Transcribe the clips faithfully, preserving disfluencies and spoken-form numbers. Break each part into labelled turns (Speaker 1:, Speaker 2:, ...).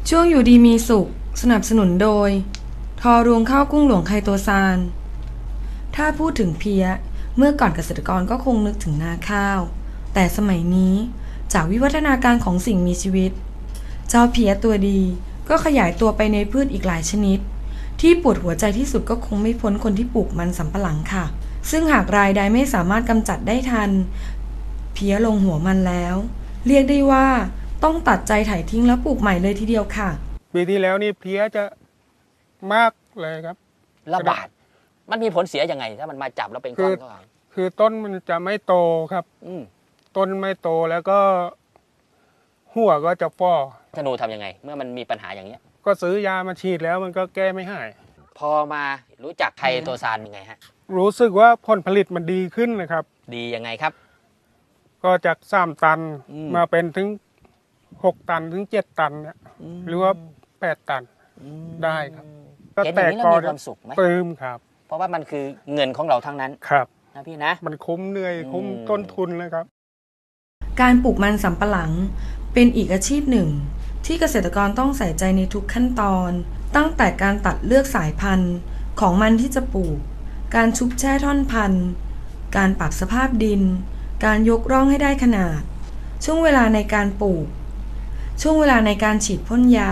Speaker 1: ช่วงอยู่ดีมีสุขสนับสนุนโดยทอรวงข้าวกุ้งหลวงไคโตซานถ้าพูดถึงเพี้ยเมื่อก่อนเกษตรกรก็คงนึกถึงนาข้าวแต่สมัยนี้จากวิวัฒนาการของสิ่งมีชีวิตเจ้าเพี้ยตัวดีก็ขยายตัวไปในพืชอีกหลายชนิดที่ปวดหัวใจที่สุดก็คงไม่พ้นคนที่ปลูกมันสำปะหลังค่ะซึ่งหากรายใดไม่สามารถกำจัดได้ทันเพี้ยลงหัวมันแล้วเรียกได้ว่าต้องตัดใจถ่ายทิ้งแล้วปลูกใหม่เลยทีเดียวค่ะ
Speaker 2: ปีที่แล้วนี่เพี้ยจะมากเลยครับ
Speaker 3: ระบาดมันมีผลเสียยังไงถ้ามันมาจับแล้วเป็นก้อนก้อน
Speaker 2: คือต้นมันจะไม่โตครับต้นไม่โตแล้วก็หัวก็จะฟ้อ
Speaker 3: ธนูทำยังไงเมื่อมันมีปัญหาอย่างเนี้ย
Speaker 2: ก็ซื้อยามาฉีดแล้วมันก็แก้ไม่หาย
Speaker 3: พอมารู้จักไคโตซานยังไงฮะ
Speaker 2: รู้สึกว่าผลผลิตมันดีขึ้นนะครับ
Speaker 3: ดียังไงครับ
Speaker 2: ก็จากสามตันมาเป็นถึงหกตันถึงเจ็ดตันเนี่ยหรือว่าแปดตันได้ครับ
Speaker 3: ก็แต่ก็มีความสุขไหม
Speaker 2: ปลื้มครับ
Speaker 3: เพราะว่ามันคือเงินของเราทั้งนั้น
Speaker 2: ครับ
Speaker 3: นะพี่นะ
Speaker 2: มันคุ้มเหนื่อยคุ้มต้นทุนเลยครับ
Speaker 1: การปลูกมันสำปะหลังเป็นอีกอาชีพหนึ่งที่เกษตรกรต้องใส่ใจในทุกขั้นตอนตั้งแต่การตัดเลือกสายพันธุ์ของมันที่จะปลูกการชุบแช่ท่อนพันธุ์การปรับสภาพดินการยกร่องให้ได้ขนาดช่วงเวลาในการปลูกช่วงเวลาในการฉีดพ่นยา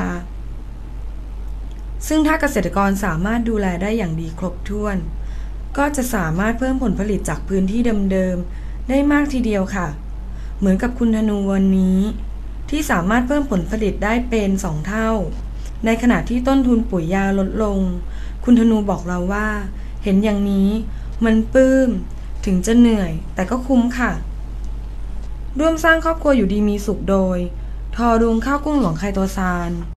Speaker 1: ซึ่งถ้าเกษตรกรสามารถดูแลได้อย่างดีครบถ้วนก็จะสามารถเพิ่มผลผลิตจากพื้นที่เดิมๆได้มากทีเดียวค่ะเหมือนกับคุณธนูวันนี้ที่สามารถเพิ่มผลผลิตได้เป็นสองเท่าในขณะที่ต้นทุนปุ๋ยยาลดลงคุณธนูบอกเราว่าเห็นอย่างนี้มันปลื้มถึงจะเหนื่อยแต่ก็คุ้มค่ะร่วมสร้างครอบครัวอยู่ดีมีสุขโดยทอรวงข้าวกุ้งหลวงไคโตซาน